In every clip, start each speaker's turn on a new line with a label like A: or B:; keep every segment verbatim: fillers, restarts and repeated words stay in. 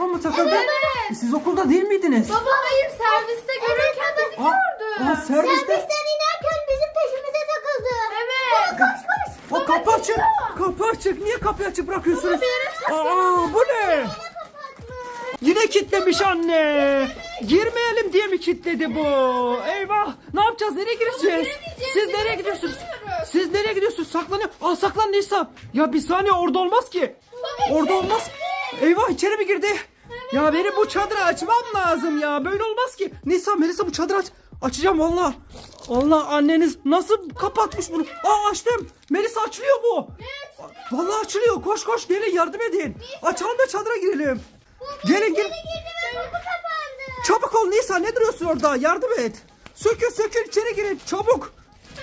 A: telefon mu takıldı?
B: Evet.
A: E, siz okulda değil miydiniz?
B: Baba hayır serviste görürken de
A: Aa,
B: gördüm.
A: aa, serviste.
C: Servisten inerken bizim peşimize takıldı.
B: Evet.
C: Koş koş.
A: O kapı açık. Kapı açık. Niye kapıyı açık bırakıyorsunuz?
B: Baba,
A: Aa, bu ne? Yine kilitlemiş anne. Girmeyelim diye mi kilitledi bu? Eyvah. Ne yapacağız? Nereye gireceğiz? Siz nereye gidiyorsunuz? Siz nereye gidiyorsunuz? Saklanıyor. Aa, saklan Nisa. Ya bir saniye, orada olmaz ki. Orada olmaz. Eyvah, içeri mi girdi? Ya benim bu çadırı açmam lazım ya. Böyle olmaz ki. Nisa, Melisa bu çadırı aç. Açacağım valla. Allah, anneniz nasıl kapatmış bunu? Aa, açtım. Melisa, açılıyor bu. Vallahi açılıyor. Koş koş, gelin yardım edin. Açalım da çadıra girelim. Gelin gelin. Çabuk ol Nisa, ne duruyorsun orada? Yardım et. Sökül sökül, içeri girin çabuk.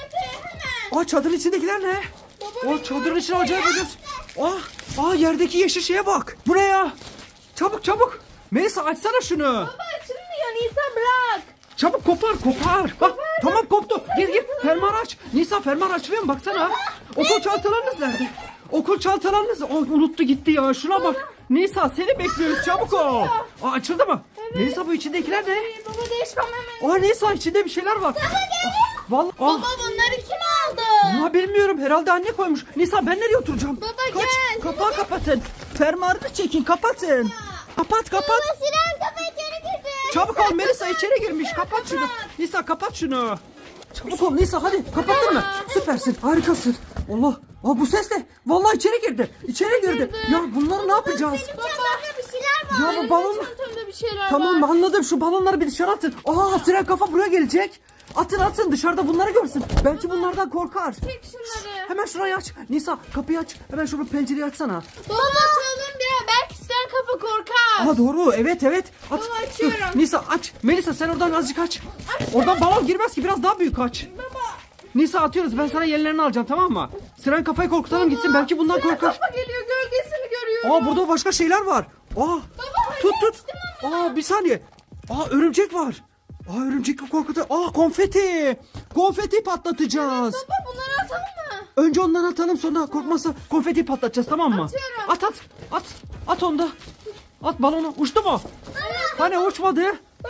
A: Aa, çadırın içindekiler ne? O çadırın içine acayip bir Ah, aa, yerdeki yeşil şeye bak. Bu ne ya? Çabuk çabuk. Melisa, açsana şunu.
B: Baba açılmıyor Nisa, bırak.
A: Çabuk kopar kopar. Bak tamam, koptu. Gir gir, fermuarı aç. Nisa, fermuar açılıyor mu? Baksana. Okul çantalarınız nerede? Okul çantalarınız. Oh, unuttu gitti ya. Şuna bak. Nisa, seni bekliyoruz, çabuk ol. Aa, açıldı mı? Nisa, bu içindekiler ne?
B: Ee, Baba değişmem hemen.
A: Aa, Nisa, içinde bir şeyler var. Vallahi. Aa,
B: Baba bunları kim aldı?
A: ya bilmiyorum, herhalde anne koymuş. Nisa, ben nereye oturacağım?
B: Baba,
A: Kaç,
B: gel.
A: kapağı kapatın. Fermuarını çekin, kapatın. Kapat kapat.
C: Siren kafa içeri girdi.
A: Çabuk ol, Melisa içeri girmiş. Kapat şunu. Nisa, kapat şunu. Çabuk ol Nisa, hadi kapattın mı? Süpersin, harikasın. Allah. Aa, bu ses ne? Vallahi içeri girdi. İçeri girdi. Ya bunları ne yapacağız?
C: Çantamda bir şeyler var.
A: Ya bu balon.
B: Çantamda bir şeyler
A: Tamam,
B: var.
A: anladım, şu balonları bir dışarı atın. Aa, siren kafa buraya gelecek. Atın atın, dışarıda bunları görsün. Belki bunlardan korkar.
B: Çek şunları.
A: Hemen şurayı aç. Nisa, kapıyı aç. Hemen şunu, pencereyi açsana.
B: Baba açalım bir. Belki sen kafa korkar.
A: Aa, doğru, evet evet. At.
B: Baba, açıyorum.
A: Dur, Nisa aç. Melisa, sen oradan azıcık aç. Oradan balon girmez ki, biraz daha büyük aç.
B: Baba.
A: Nisa, atıyoruz, ben sana yerlerini alacağım, tamam mı? Siren kafayı korkutalım gitsin, belki bundan
B: Siren
A: korkar.
B: kafa geliyor, gölgesini görüyorum.
A: Aa, burada başka şeyler var. Aa, tut tut. Aa, bir saniye. Aa, örümcek var. Aa, örümcek korkutur. Aa, konfeti. Konfeti patlatacağız.
B: Baba bunları atalım mı?
A: Önce ondan atalım, sonra korkmazsa konfeti patlatacağız, tamam mı?
B: Atıyorum.
A: At at. At. At onda. At balonu. Uçtu mu? Hani uçmadı?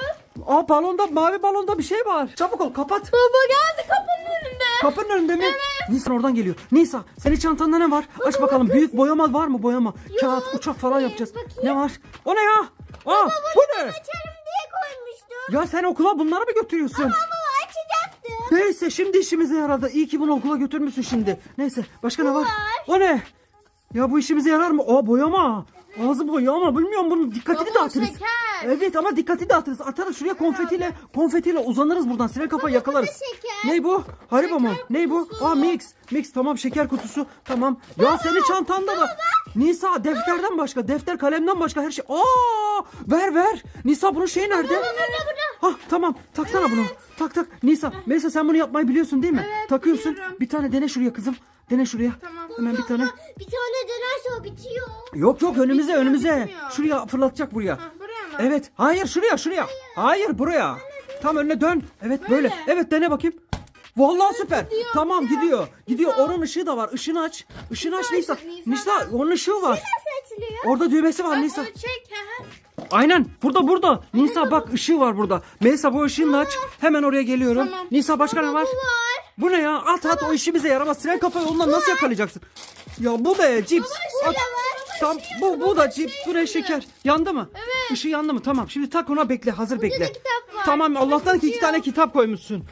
A: Aa, balonda, mavi balonda bir şey var. Çabuk ol, kapat.
B: Baba geldi kapının önünde.
A: Kapının önünde mi? Nisa oradan geliyor. Nisa, senin çantanda ne var? Aç bakalım. Büyük boyama var mı, boyama? Kağıt, uçak falan yapacağız. Ne var? O ne ya? Aa, bu ne?
C: Açarım diye koymuştum.
A: Ya sen okula bunları mı götürüyorsun?
C: Ama açacaktım.
A: Neyse, şimdi işimize yaradı. İyi ki bunu okula götürmüşsün şimdi. Neyse, başka ne var? O ne? Ya bu işimize yarar mı? Aa, boyama. Ağzı boyama, bilmiyorum, bunun dikkatini
B: Baba,
A: dağıtırız.
B: şeker.
A: Evet ama dikkati dağıtırız. Atarız şuraya konfetiyle. Konfetiyle uzanırız buradan. Siren kafayı yakalarız.
C: şeker.
A: Ne bu? Haribo mu? Ne bu? Aa, mix. Mix, tamam, şeker kutusu. Tamam. Ya senin çantanda var. Nisa, defterden başka, defter kalemden başka her şey. Aa! Ver ver. Nisa, bunun şeyi nerede?
C: Burada burada.
A: Hah, tamam, taksana bunu. Tak tak. Nisa, Melisa, sen bunu yapmayı biliyorsun değil mi?
B: Evet,
A: Takıyorsun.
B: biliyorum.
A: Bir tane dene şuraya kızım. Dene şuraya.
B: Tamam.
A: Hemen bir tane.
C: Bir tane dönerse o bitiyor.
A: Yok yok, önümüze
B: Bitmiyor,
A: önümüze.
B: bitmiyor.
A: Şuraya fırlatacak, buraya.
B: Ha, buraya mı?
A: Evet. Hayır, şuraya şuraya. Hayır, buraya. Tam önüne dön. Evet, böyle.
B: Böyle.
A: Evet, dene bakayım. Vallahi süper.
B: gidiyor,
A: Tamam,
B: gidiyor.
A: gidiyor. Gidiyor. Onun ışığı da var. Işığını aç. Işığını aç Nisa.
B: Nisa, Nisa.
A: Nisa, onun ışığı var.
C: Nasıl açılıyor?
A: Orada düğmesi var
B: Bak,
A: Nisa.
B: onu çek. Hı hı.
A: Aynen. Burada burada. Nisa bak, ışığı var burada. Melisa, bu ışığını aç. Hemen oraya geliyorum.
B: Tamam.
A: Nisa, başka ne var?
C: Bu var.
A: Bu ne ya? At at, o işimize yaramaz. Siren kafayı ondan nasıl yakalayacaksın? Ya bu ne? Cips. At. Tam bu bu da cips. Bu ne, şeker? Yandı mı?
B: Evet.
A: Işığı yandı mı? Tamam. Şimdi tak ona, bekle. Hazır bekle.
C: kitap var.
A: Tamam. Allah'tan ki iki tane kitap koymuşsun.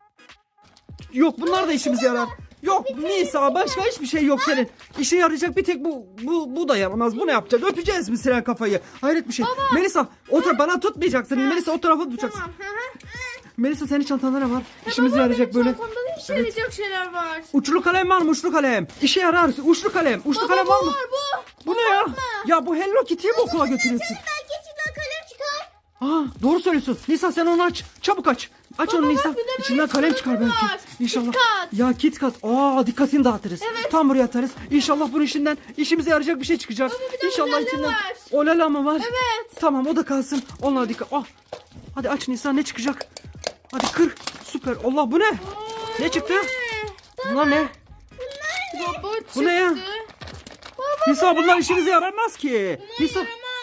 A: Yok, bunlar da işimize yarar. Yok Nisa, başka hiçbir şey yok senin. İşe yarayacak bir tek bu bu bu da yaramaz. Bu ne yapacağız? Öpeceğiz mi Siren kafayı? Hayret bir şey. Melisa, o tarafa bana tutmayacaksın. Melisa, o tarafa tutacaksın.
B: Tamam. Hı hı.
A: Melisa, senin çantanda ne var? İşimize
B: Baba,
A: yarayacak
B: benim
A: böyle.
B: çantamda da işe yarayacak şeyler var.
A: Uçlu kalem var mı? Uçlu kalem. İşe yarar. Uçlu kalem. Uçlu
B: Baba,
A: kalem
B: bu
A: var mı?
B: var, bu.
A: Bu ne ya? Ya bu Hello Kitty'yi mi okula götürüyorsun?
C: Ben geçinden kalem çıkar.
A: Aa, doğru söylüyorsun. Nisa, sen onu aç. Çabuk aç. Aç
B: Baba,
A: onu
B: bak,
A: Nisa.
B: bir de böyle
A: İçinden kalem çıkar
B: çikolata
A: belki.
B: var.
A: İnşallah.
B: KitKat.
A: Ya KitKat. Aa, dikkatini dağıtırız.
B: Evet.
A: Tam buraya atarız. İnşallah bunun içinden işimize yarayacak bir şey çıkacak.
B: Baba, bir de
A: İnşallah
B: olala
A: içinden.
B: var.
A: Olala mı var?
B: Evet.
A: Tamam, o da kalsın. Onlara dikkat. Ah. Hadi aç Nisa, ne çıkacak? Hadi kır. Süper. Allah, bu ne? Ne çıktı? Bunlar ne?
B: Baba çıktı.
A: Bu ne ya?
B: Baba,
A: Nisa, bunlar işimize yaramaz ki. Nisa,
B: yaramaz.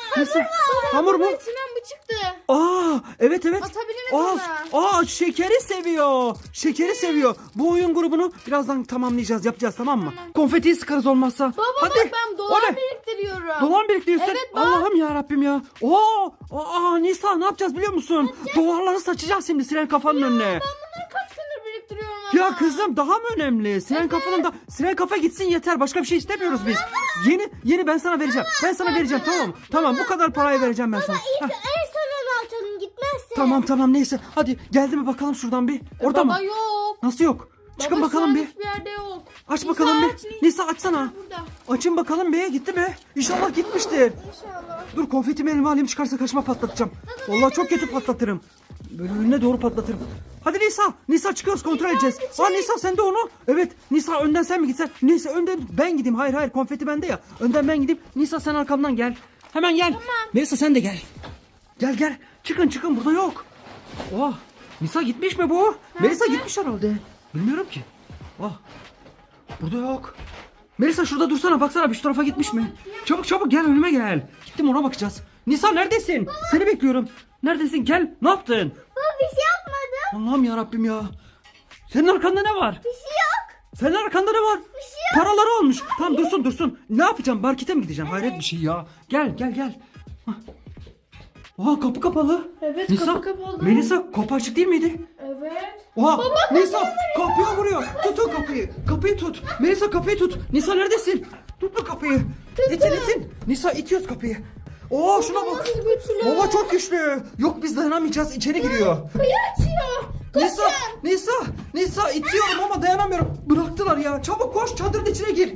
A: Nasıl? Hamur mu?
B: İçinden bu çıktı.
A: Aa, evet evet.
B: Atabiliriz
A: Aa, aa, şekeri seviyor. Şekeri seviyor. Bu oyun grubunu birazdan tamamlayacağız, yapacağız, tamam mı? Konfetiyi sıkarız olmazsa.
B: Baba
A: Hadi.
B: bak ben
A: O
B: dolar
A: ne?
B: biriktiriyorum.
A: Dolar biriktiriyorsun.
B: Evet, bak.
A: Allah'ım ya Rabbim ya. Oo, aa, Nisa ne yapacağız biliyor musun? Dolarları saçacağız şimdi siren kafanın önüne.
B: Ben bunları kaç gündür biriktiriyorum ama.
A: Ya kızım daha mı önemli? Siren kafanın da siren kafa gitsin yeter. Başka bir şey istemiyoruz biz. Yeni yeni ben sana vereceğim. Ben sana vereceğim, tamam mı? Tamam, bu kadar parayı vereceğim ben sana.
C: İlk
A: Hah,
C: en son atalım gitmezse.
A: tamam tamam neyse. Hadi geldi mi bakalım şuradan bir. Orada
B: Baba
A: mı?
B: yok.
A: Nasıl yok? Çıkın
B: Baba,
A: bakalım
B: şu an
A: bir.
B: hiçbir yerde yok.
A: Aç
B: Nisa,
A: bakalım bir.
B: aç, Nisa.
A: Nisa açsana.
B: Burada.
A: Açın bakalım bir. Gitti mi? İnşallah gitmiştir.
B: İnşallah.
A: Dur konfetimi elime alayım, çıkarsa kaçma patlatacağım. Vallahi çok kötü patlatırım. Böyle önüne doğru patlatırım. Hadi Nisa. Nisa çıkıyoruz, kontrol edeceğiz. Aa Nisa sen de onu. Evet Nisa önden sen mi gitsen? Nisa önden ben gideyim. Hayır hayır konfeti bende ya. Önden ben gideyim. Nisa sen arkamdan gel. Hemen gel. Nisa sen de gel. Gel gel. Çıkın çıkın, burada yok. Oh. Nisa gitmiş mi bu? Melisa gitmiş herhalde. Bilmiyorum ki. Oh. Burada yok. Melisa şurada dursana, baksana bir şu tarafa gitmiş mi? Çabuk çabuk gel, önüme gel. Gittim, ona bakacağız. Nisa neredesin? Seni bekliyorum. Neredesin? Gel. Ne yaptın?
C: Baba bir şey yapmadım.
A: Allah'ım ya Rabbim ya. Senin arkanda ne var?
C: Bir şey yok.
A: Senin arkanda ne var?
C: Bir şey yok.
A: Paraları olmuş. Tamam dursun dursun. Ne yapacağım? Markete mi gideceğim? Hayret bir şey ya. Gel gel gel. Hah. Oha kapı kapalı.
B: Evet,
A: Nisa,
B: kapı kapalı.
A: Melisa kapı açık değil miydi?
B: Evet.
A: Oha Nisa kapıya vuruyor. Tut o kapıyı. Kapıyı tut. Melisa kapıyı tut. Nisa neredesin? Tut bu kapıyı. İtin itin. Nisa itiyoruz kapıyı. Oo şuna bak.
B: Nasıl güçlü?
A: Baba çok güçlü. Yok biz dayanamayacağız. İçeri giriyor.
B: Kapıyı açıyor.
A: Nisa, Nisa, Nisa itiyorum ama dayanamıyorum. Bıraktılar ya. Çabuk koş, çadırın içine gir.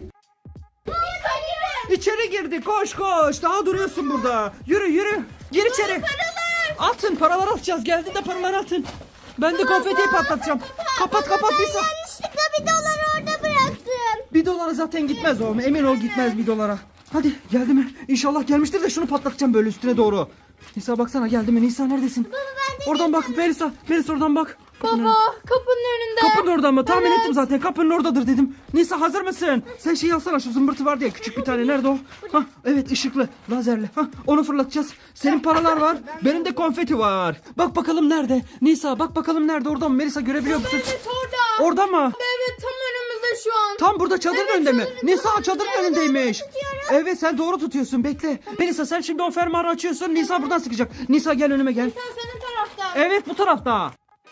A: İçeri girdi. Koş koş. Daha duruyorsun burada. Yürü yürü. Gir içeri. Atın, paraları atacağız. Geldiğinde paraları atın. Ben de konfetiyi patlatacağım. Kapat kapat Nisa.
C: Yanlışlıkla bir dolar orada bıraktım.
A: Bir dolara zaten gitmez o. Emin ol gitmez bir dolara. Hadi geldi mi? İnşallah gelmiştir de şunu patlatacağım böyle üstüne doğru. Nisa baksana geldi mi? Nisa neredesin? Oradan bak Melisa. Melisa oradan bak. Kapının
B: Baba kapının önünde.
A: Kapının orada mı? Tahmin
B: Evet.
A: ettim zaten. Kapının oradadır dedim. Nisa hazır mısın? Sen şeyi alsana, şu zımbırtı var diye küçük bir tane. Nerede o? Hah, evet ışıklı, lazerli. Hah, onu fırlatacağız. Senin paralar var. Benim de konfeti var. Bak bakalım nerede? Nisa bak bakalım nerede? Orada mı? Melisa görebiliyor musun?
B: Evet orada.
A: Orada mı?
B: Evet tam önümüzde şu an.
A: Tam burada çadırın
B: Evet,
A: önünde mi?
B: çadırın-
A: Nisa çadırın önündeymiş. Evet sen doğru tutuyorsun. Bekle. Melisa sen şimdi o fermuarı açıyorsun. Nisa buradan sıkacak. Nisa gel önüme gel.
B: Sen senin tarafta.
A: Evet bu tarafta.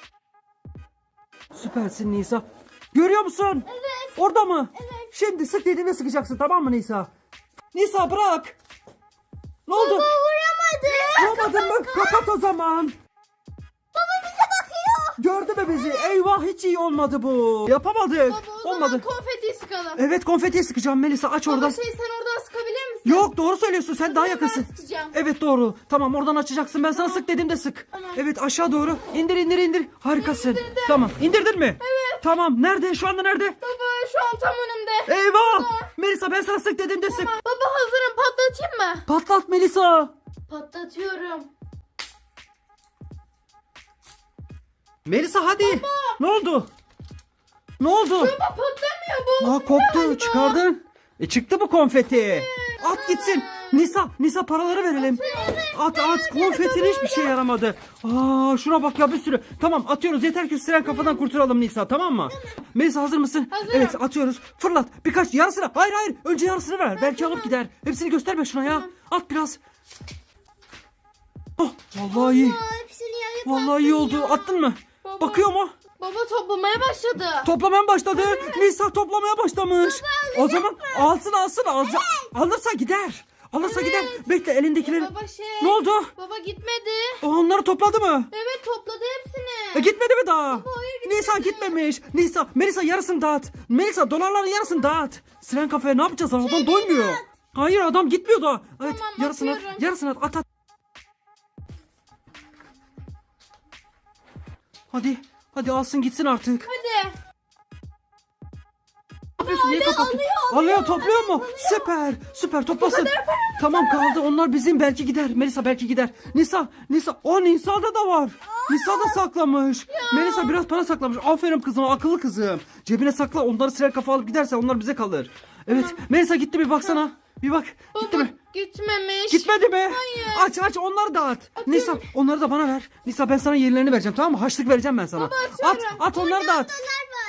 A: Süpersin Nisa. Görüyor musun?
C: Evet.
A: Orada mı?
C: Evet.
A: Şimdi sık dediğinde sıkacaksın, tamam mı Nisa? Nisa bırak. Ne oldu?
C: Baba vuramadım.
A: Vuramadın mı? Kapat o zaman.
C: Baba bize bakıyor.
A: Gördü mü bizi? Eyvah hiç iyi olmadı bu. Yapamadık.
B: Baba o zaman
A: Olmadı.
B: konfetiyi sıkalım.
A: Evet konfetiyi sıkacağım Melisa, aç
B: Baba
A: oradan.
B: şey sen oradan sıkabilir misin?
A: Yok doğru söylüyorsun, sen daha
B: Ben
A: yakınsın.
B: sıkacağım.
A: Evet doğru. Tamam oradan açacaksın. Ben sana sık dediğimde sık.
B: Tamam.
A: Evet aşağı doğru. İndir indir indir. Harikasın.
B: İndirdim.
A: Tamam. İndirdin mi?
B: Evet.
A: Tamam. Nerede? Şu anda nerede?
B: Baba şu an tam önümde.
A: Eyvah! Melisa ben sana sık dediğimde sık.
B: Baba hazırım, patlatayım mı?
A: Patlat Melisa.
B: Patlatıyorum.
A: Melisa hadi. Ne oldu? Ne oldu?
B: Baba patlamıyor bu.
A: Aa koptu.
B: Galiba.
A: Çıkardın. E çıktı bu konfeti. At gitsin. Nisa, Nisa paraları verelim. At at. Konfetin hiçbir şey yaramadı. Aa şuna bak ya, bir sürü. Tamam atıyoruz. Yeter ki siren kafadan kurtulalım Nisa, tamam mı? Melisa hazır mısın?
B: Hazırım.
A: Evet atıyoruz. Fırlat. Birkaç yarısını. Hayır hayır. Önce yarısını ver. Belki alıp gider. Hepsini gösterme şuna ya. At biraz. Oh vallahi iyi.
C: Aa, hepsini yayıp
A: Vallahi iyi oldu. Attın mı?
B: Baba.
A: Bakıyor mu?
B: Baba toplamaya başladı.
A: Toplamaya başladı. Nisa toplamaya başlamış. O zaman alsın alsın. Alca- Alırsa gider. Alırsa gider. Bekle elindekileri.
B: Baba şey.
A: Ne oldu?
B: Baba gitmedi.
A: O onları topladı mı?
B: Evet topladı hepsini.
A: E, gitmedi mi daha?
B: hayır, gitmedi.
A: Nisa gitmemiş. Nisa, Melisa yarısını dağıt. Melisa dolarların yarısını dağıt. Siren kafaya ne yapacağız? Adam doymuyor. Hayır adam gitmiyor daha. Evet
B: Tamam,
A: yarısını at.
B: atıyorum.
A: Yarısını at. At at. Hadi. Hadi alsın gitsin artık.
B: Hadi.
A: Ne yapıyorsun? Niye kapattın?
B: alıyor,
A: Alıyor, topluyor mu? Süper. Süper toplasın. Tamam kaldı. Onlar bizim, belki gider. Melisa belki gider. Nisa, Nisa. O Nisa'da da var. Nisa da saklamış. Melisa biraz para saklamış. Aferin kızım, akıllı kızım. Cebine sakla. Onları sirer kafa alıp giderse onlar bize kalır. Evet. Melisa gitti, bir baksana. Bir bak. Gitti mi?
B: Gitmemiş.
A: Gitmedi mi?
B: Hayır.
A: Aç aç onları da at. Nisa onları da bana ver. Nisa ben sana yerlerini vereceğim tamam mı? Haçlık vereceğim ben sana.
B: Baba,
A: at
B: atıyorum.
A: at onları da at.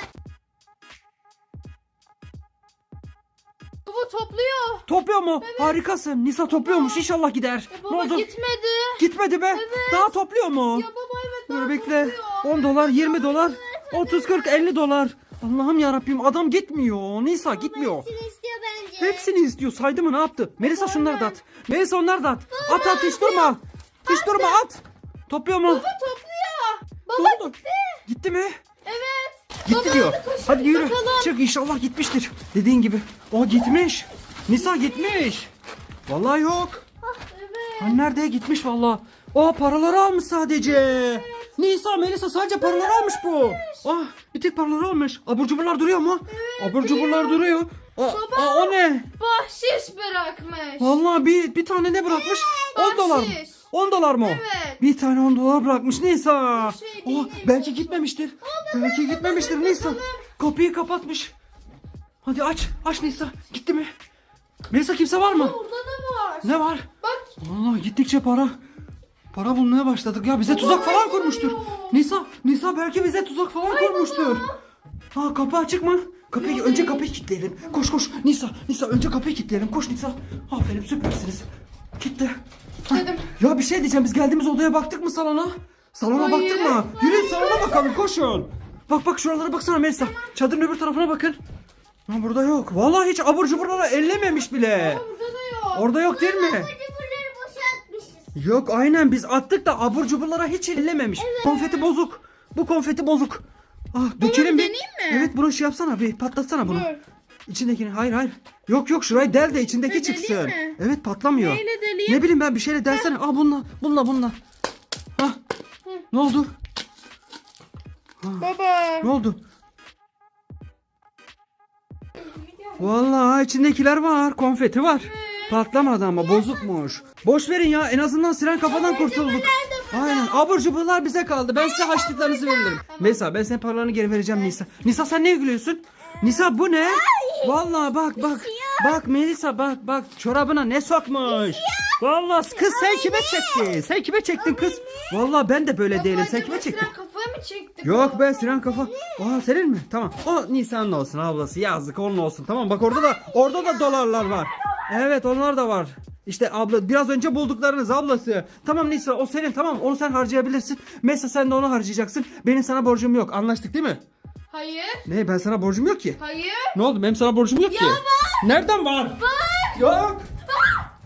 B: Baba topluyor.
A: Topluyor mu? Harikasın. Nisa topluyormuş. İnşallah gider.
B: Ya
A: Ne
B: baba
A: oldu?
B: gitmedi.
A: Gitmedi be.
B: Evet.
A: Daha topluyor mu?
B: Ya baba evet
A: Dur
B: daha
A: bekle.
B: topluyor.
A: on dolar, yirmi dolar, otuz, kırk, elli dolar. Allah'ım ya Rabbim adam gitmiyor. Nisa gitmiyor.
C: Hepsini istiyor bence.
A: Hepsini istiyor. Saydı mı ne yaptı? Melisa şunları da at. Melisa onları da at. At at hiç durma. Hiç durma at. Topluyor mu?
B: Baba topluyor.
A: Ne
B: Baba
A: oldu?
B: gitti.
A: Gitti mi?
B: Evet.
A: Gitti
B: Baba,
A: diyor.
B: hadi koşun,
A: Hadi yürü.
B: bakalım.
A: Çık inşallah gitmiştir. Dediğin gibi. O gitmiş. Nisa gitmiş. Vallahi yok.
B: Evet.
A: Ha, nerede gitmiş vallahi. O paraları almış sadece. Nisa Melisa sadece paraları almış bu. Ah bir tek paraları almış. Abur cuburlar duruyor mu? Abur cuburlar duruyor. Aa, aa, o ne?
B: Bahşiş bırakmış.
A: Vallahi bir bir tane ne bırakmış? on dolar mı?
B: bahşiş.
A: on dolar mı o?
B: Evet.
A: Bir tane on dolar bırakmış Nisa.
B: şey
A: Oh,
B: değil.
A: belki gitmemiştir. Belki gitmemiştir Nisa. Kapıyı kapatmış. Hadi aç. Aç Nisa. Gitti mi? Melisa kimse var mı?
B: Burada da var.
A: Ne var?
B: Bak.
A: Vallahi gittikçe para. Para bulmaya başladık ya. Bize tuzak falan kurmuştur. Nisa, Nisa belki bize tuzak falan kurmuştur. Ha kapı açık mı? Kapıyı önce kapıyı kilitleyelim. Koş koş Nisa, Nisa önce kapıyı kilitleyelim. Koş Nisa. Aferin süpersiniz. Kilitle. Ha,
B: Dedim.
A: ya bir şey diyeceğim. Biz geldiğimiz odaya baktık mı salona? Salona
B: Hayır.
A: baktık mı? Yürüyün salona bakalım koşun. Bak bak şuralara baksana Melisa. Çadırın öbür tarafına bakın. Ha, burada yok. Vallahi hiç abur cuburları ellememiş bile.
B: Burada da yok.
A: Orada yok değil mi?
C: Cuburları boşaltmışız.
A: Yok aynen biz attık da abur cuburlara hiç ellememiş. Konfeti bozuk. Bu konfeti bozuk. Ah dökelim bir.
B: deneyeyim mi?
A: Evet bunu şey yapsana bir patlatsana bunu.
B: Dur.
A: İçindekini hayır hayır. Yok yok şurayı del de içindeki
B: Ne, deleyim
A: çıksın.
B: mi?
A: Evet patlamıyor.
B: Neyle deleyeyim?
A: Ne bileyim ben bir şeyle delsene. Ah bununla bununla bununla. Hah. Ne oldu?
B: Baba.
A: Ne oldu? Vallahi içindekiler var. Konfeti var. Patlamadı ama bozukmuş. Boş verin ya en azından siren kafadan kurtulduk. Aynen abur cuburlar bize kaldı. Ben size haçlıklarınızı veririm. Melisa ben senin paralarını geri vereceğim Nisa. Nisa sen ne gülüyorsun? Nisa bu ne? Vallahi bak bak. Bak Melisa bak bak çorabına ne sokmuş. Vallahi kız sen kime çektin? Sen kime çektin kız? Vallahi ben de böyle değilim. Sen kime çektin?
B: Sen kafaya mı çektin?
A: Yok be Sinan kafa. Aa senin mi? Tamam. O Nisan'ın olsun ablası. Yazık onun olsun. Tamam bak orada da orada da dolarlar var. Evet onlar da var. İşte abla biraz önce bulduklarınız ablası. Tamam Nisa o senin tamam onu sen harcayabilirsin. Mesela sen de onu harcayacaksın. Benim sana borcum yok. Anlaştık değil mi?
B: Hayır.
A: Ne ben sana borcum yok ki.
B: Hayır.
A: Ne oldu benim sana borcum yok ki.
B: var.
A: Nereden var? Var. Yok.